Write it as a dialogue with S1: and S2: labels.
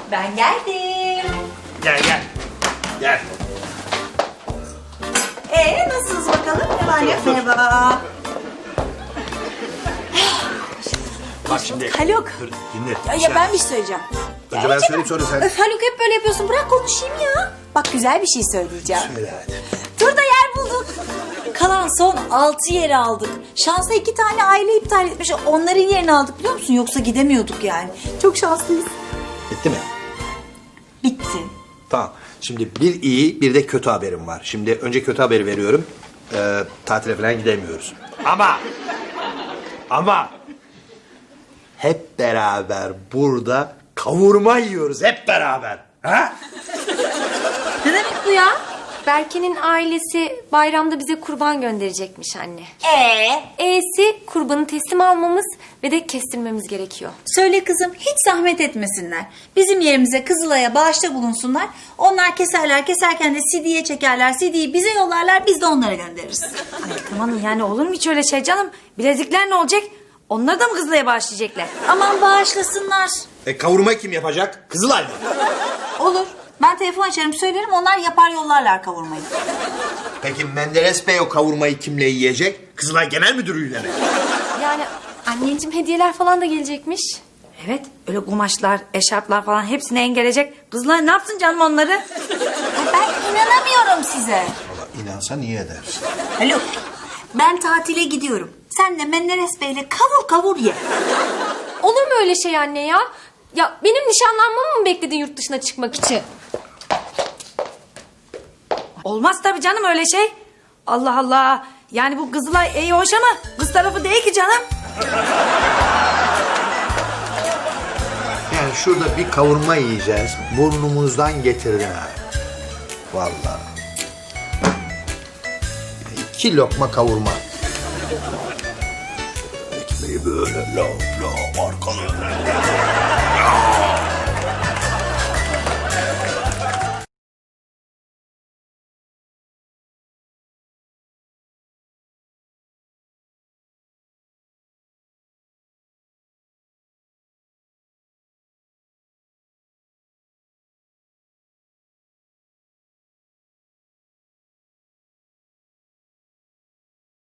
S1: Ben geldim.
S2: Gel gel. Gel.
S1: Nasılsınız bakalım? Ne var ne yok? Merhaba.
S2: Bak şimdi.
S3: Haluk.
S2: Dur dinle.
S3: Ya ben bir şey söyleyeceğim.
S2: Önce ben söyleyeyim sonra sen.
S3: Öf Haluk hep böyle yapıyorsun. Bırak konuşayım ya. Bak güzel bir şey söyleyeceğim.
S2: Söyle hadi.
S3: Dur da yer bulduk. Kalan son 6 yeri aldık. Şansa 2 tane aile iptal etmiş. Onların yerini aldık biliyor musun? Yoksa gidemiyorduk yani. Çok şanslıyız.
S2: Bitti mi?
S3: Bitti.
S2: Tamam. Şimdi bir iyi bir de kötü haberim var. Şimdi önce kötü haberi veriyorum. Tatile falan gidemiyoruz. Ama hep beraber burada kavurma yiyoruz hep beraber. Ha?
S3: Ne demek bu ya?
S4: Berke'nin ailesi bayramda bize kurban gönderecekmiş anne. E'si kurbanı teslim almamız ve de kestirmemiz gerekiyor.
S3: Söyle kızım hiç zahmet etmesinler. Bizim yerimize Kızılay'a bağışta bulunsunlar. Onlar keserken de CD'ye çekerler. CD'yi bize yollarlar biz de onlara göndeririz.
S5: Ay tamam yani olur mu hiç öyle şey canım? Bilezikler ne olacak? Onları da mı Kızılay'a bağışlayacaklar?
S3: Aman bağışlasınlar.
S2: Kavurmayı kim yapacak? Kızılay mı?
S3: Olur. Ben telefon açarım söylerim onlar yapar yollarlar kavurmayı.
S2: Peki Menderes Bey o kavurmayı kimle yiyecek? Kızılay Genel Müdürü'yle mi?
S4: Yani anneciğim hediyeler falan da gelecekmiş.
S5: Evet öyle kumaşlar, eşarplar falan hepsini engelecek. Kızılay ne yapsın canım onları?
S3: Ay ben inanamıyorum size.
S2: Valla inansa niye edersin?
S3: Haluk ben tatile gidiyorum. Sen de Menderes Bey'le kavur ye.
S4: Olur mu öyle şey anne ya? Ya benim nişanlanmamı mı bekledin yurt dışına çıkmak için?
S5: Olmaz tabii canım öyle şey. Allah Allah. Yani bu Kızılay iyi hoş ama kız tarafı değil ki canım.
S2: Yani şurada bir kavurma yiyeceğiz. Burnumuzdan getirdin ha. Vallahi. 2 lokma kavurma. Ekmeği böyle lop lop arkalı.